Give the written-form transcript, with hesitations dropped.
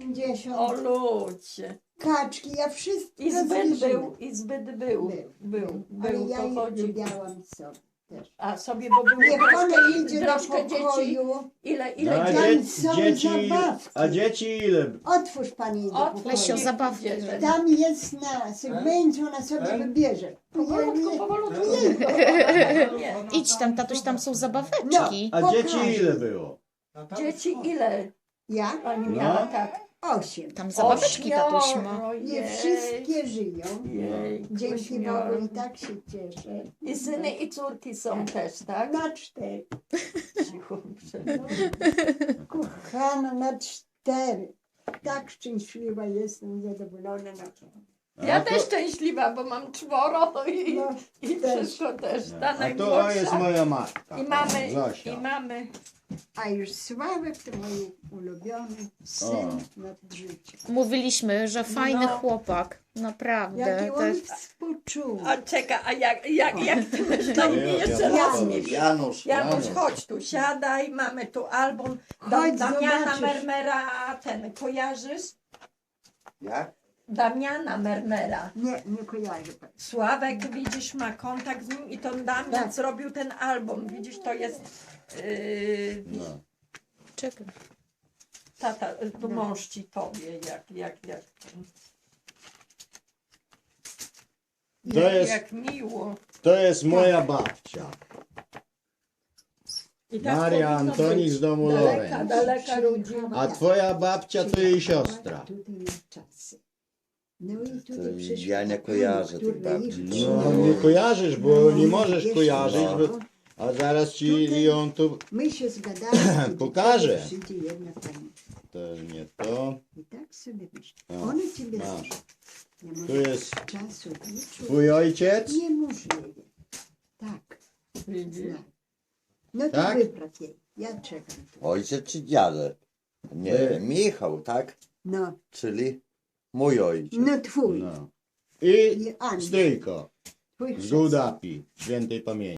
50. O ludzie. Kaczki, ja wszystko I zbyt zwierzynę. był, i zbyt był. Ale Był, ja to ich chodzi. lubiałam sobie też. A sobie, bo było Niech ona idzie do troszkę dzieci. pokoju. Ile No, a dzieci? Tam są zabawki. a dzieci ile? Otwórz pani do Otwórz. pokoju. Lesio, zabawki. Idziemy. Tam jest na segmencie, ona sobie wybierze. Powolutku, powolutku. Nie. Idź tam, tatuś, tam są zabaweczki. A Pokażę. dzieci ile było? Dzieci ile Ja? pani No. miała? Tak. 8. Tam zabaweczki tatuś ma. Nie wszystkie żyją. Jej, Dzięki Bogu i tak się cieszę. I syny i córki są też, tak? Na 4. Cicho, muszę. Kochana, na 4. Tak szczęśliwa jestem, zadowolona na to. Ja A też to, szczęśliwa, bo mam 4 i, No, i też. wszystko też. Ta a to najmłodsza. jest moja matka. I mamy, Zosia. i mamy. A już Sławek to mój ulubiony syn nad życiem. Mówiliśmy, że fajny No. chłopak. Naprawdę. Jaki To on jest... współczuł. A czeka, a jak ty masz na imię? Janusz, Jeszcze raz mi. Janusz, Janusz, chodź tu, siadaj, mamy tu album. Chodź, Damiana zobaczysz. Mermera, ten, kojarzysz? Jak? Damiana Mermera. Nie kojarzę pani. Sławek, widzisz, ma kontakt z nim i to Damian Tak. zrobił ten album. Widzisz, to jest No. Czekaj. tata, tu mąż ci powie, jak To jest, jak miło. to jest moja babcia. I tak Maria powinno Antonik być. z domu Daleka, Lorenz. daleka rodzina. A twoja babcia to jej siostra. Tutaj na czasy. No i To tutaj przyszła ja nie ta kojarzę pani, tych która babci. ich No nie kojarzysz, bo nie możesz Wiesz, kojarzyć, no. bo, a zaraz ci ją tu... My się zgadamy. że Pokażę. do ciebie przyjdzie jedna pani. To nie to. I tak sobie myślę. No. One ciebie Masz. znają. Nie Tu może jest czasu wieczór. twój ojciec. Niemożliwe. Tak. Widzisz? Znam. No to Tak? wypraw jej. Ja czekam tu. Ojciec czy dziadek? Nie, Wy. Michał, tak? No, Czyli mój ojciec. no twój. No. I I Andrzej. stryjko Twój z chrzest. Gudapi, świętej pamięci.